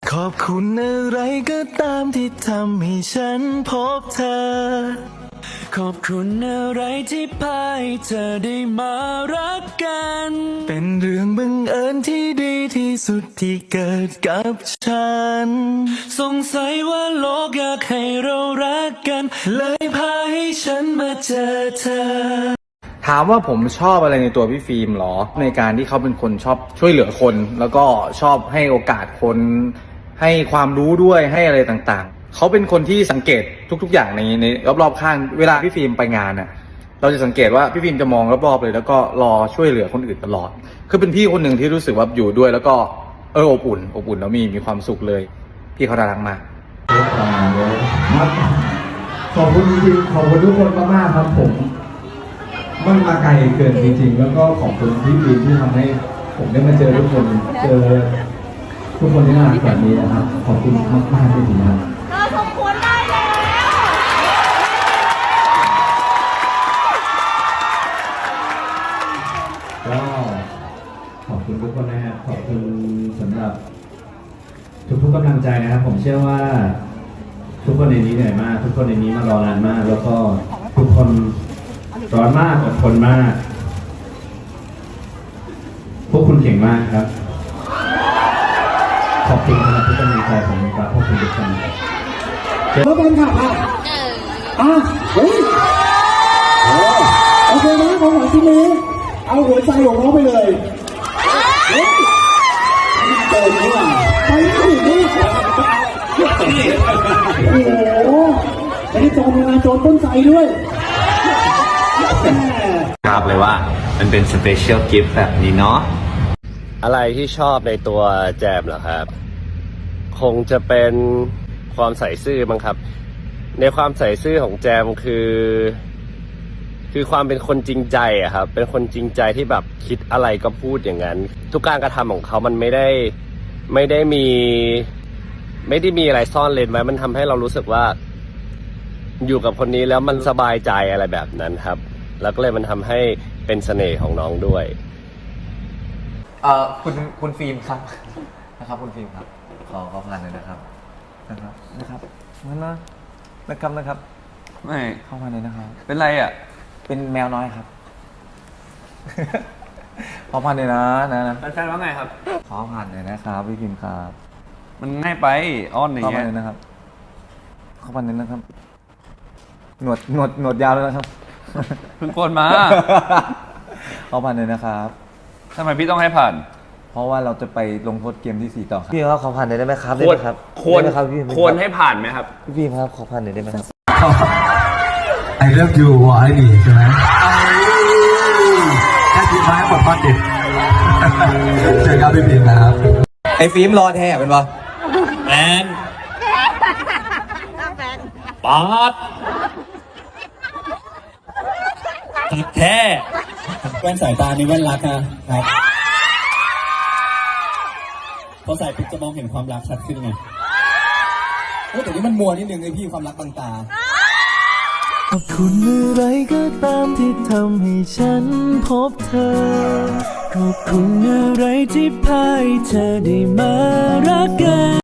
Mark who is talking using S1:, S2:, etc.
S1: ขอบคุณอะไรก็ตามที่ทำให้ฉันพบเธอขอบคุณอะไรที่พาให้เธอได้มารักกันเป็นเรื่องบังเอิญที่ดีที่สุดที่เกิดกับฉันสงสัยว่าโลกอยากให้เรารักกันเลยพาให้ฉันมาเจอเธอ
S2: ถามว่าผมชอบอะไรในตัวพี่ฟิล์มหรอในการที่เขาเป็นคนชอบช่วยเหลือคนแล้วก็ชอบให้โอกาสคนให้ความรู้ด้วยให้อะไรต่างๆเขาเป็นคนที่สังเกตทุกๆอย่างในรอบๆข้างเวลาพี่ฟิล์มไปงานน่ะเราจะสังเกตว่าพี่ฟิล์มจะมองรอบๆเลยแล้วก็รอช่วยเหลือคนอื่นตลอดคือเป็นพี่คนหนึ่งที่รู้สึกว่าอยู่ด้วยแล้วก็อบอุ่นแล้วมีความสุขเลยพี่เขาน่ารักมาก
S3: ขอบคุณจริงๆขอบคุณทุกคนมากๆครับผมมันมาไกลเกินจริงๆแล้วก็ขอบคุณพี่ฟิล์มที่ทำให้ผมได้มาเจอทุกคนเจอทุกคนที่น่ารักแบบนี้นะครับขอบคุณมากๆจริงๆครับ
S4: เราสมควรได้แล้ว
S3: ก็ขอบคุณทุกคนนะครับขอบคุณสำหรับทุกๆกำลังใจนะครับผมเชื่อว่าทุกคนในนี้เหนื่อยมากทุกคนในนี้มารอนานมากแล้วก็ทุกคนร้อนมากอดทนมากพวกคุณเก่งมากครับขอบคุณสำหรับทุกกำลังใจของพวกคุณทุกคนแล้วเป็นค่ะเฮ้ยโอเคนะของหวานชิ้นนี้เอาหัวใจของน้องไปเลยเติมนี่ว่ะไปไม่ถึงนี่โอ้โหไอ้โจรงานโจรต้นใจด้วย
S5: ทราบเลยว่ามันเป็นสเปเชียลกิฟต์แบบนี้เนาะ
S6: อะไรที่ชอบในตัวแจมเหรอครับคงจะเป็นความใส่ซื่อมั้งครับในความใส่ซื่อของแจมคือความเป็นคนจริงใจอะครับเป็นคนจริงใจที่แบบคิดอะไรก็พูดอย่างนั้นทุกการกระทำของเขามันไม่ได้มีอะไรซ่อนเร้นไว้มันทำให้เรารู้สึกว่าอยู่กับคนนี้แล้วมันสบายใจอะไรแบบนั้นครับแล้วก็เลยมันทำให้เป็นเสน่ห์ของน้องด้วย
S2: คุณฟิล์มครับนะครับคุณฟิล์มครับขอผ่านเลยนะครับนั่นนะครับ
S5: ไม่
S2: เข้ามาเลยนะครับ
S5: เป็นไรอ่ะ
S2: เป็นแมวน้อยครับขอผ่านเลยนะ
S5: แฟนว่าไงครับ
S2: ขอผ่านเลยนะครับพี่ฟิล์มครับ
S5: มันง่ายไปอ้อนอย่างเงี้ย
S2: ขอผ่านเลยนะครับขอผ่านเลยนะครับหนวดยาวเลยนะครับ
S5: เพิ่งโกนมา
S2: ขอผ่านเลยนะครับ
S5: ทำไมพี่ต้องให้ผ่าน
S2: เพราะว่าเราจะไปลงโทษเกมที่4ต่อครับพี่ครับขอผ่านหน่อยได้ไหมครับ
S5: ควรให้ผ่านไหมครับ
S2: พี่ครับขอผ่านหน่อยได้ไหมครับ
S3: ไอเลิฟยูวอไอดีใช่ไหมแค่ทิ้งไว้หมดพอดิเจอกันพี่ฟิล์มนะครับ
S2: ไอฟิล์มรอแท้เป็นปะ
S5: แมนป๊อดตัดแท้
S3: แว่นสายตานี่แว่นรักนะครับพอใส่ปุ๊บจะมองเห็นความรักชัดขึ้นไงแต่นี่มันมัวนิดนึงไอพี่ความรักบางตา
S1: ขอบคุณอะไรก็ตามที่ทำให้ฉันพบเธอขอบคุณอะไรที่พาให้เธอได้มารักกัน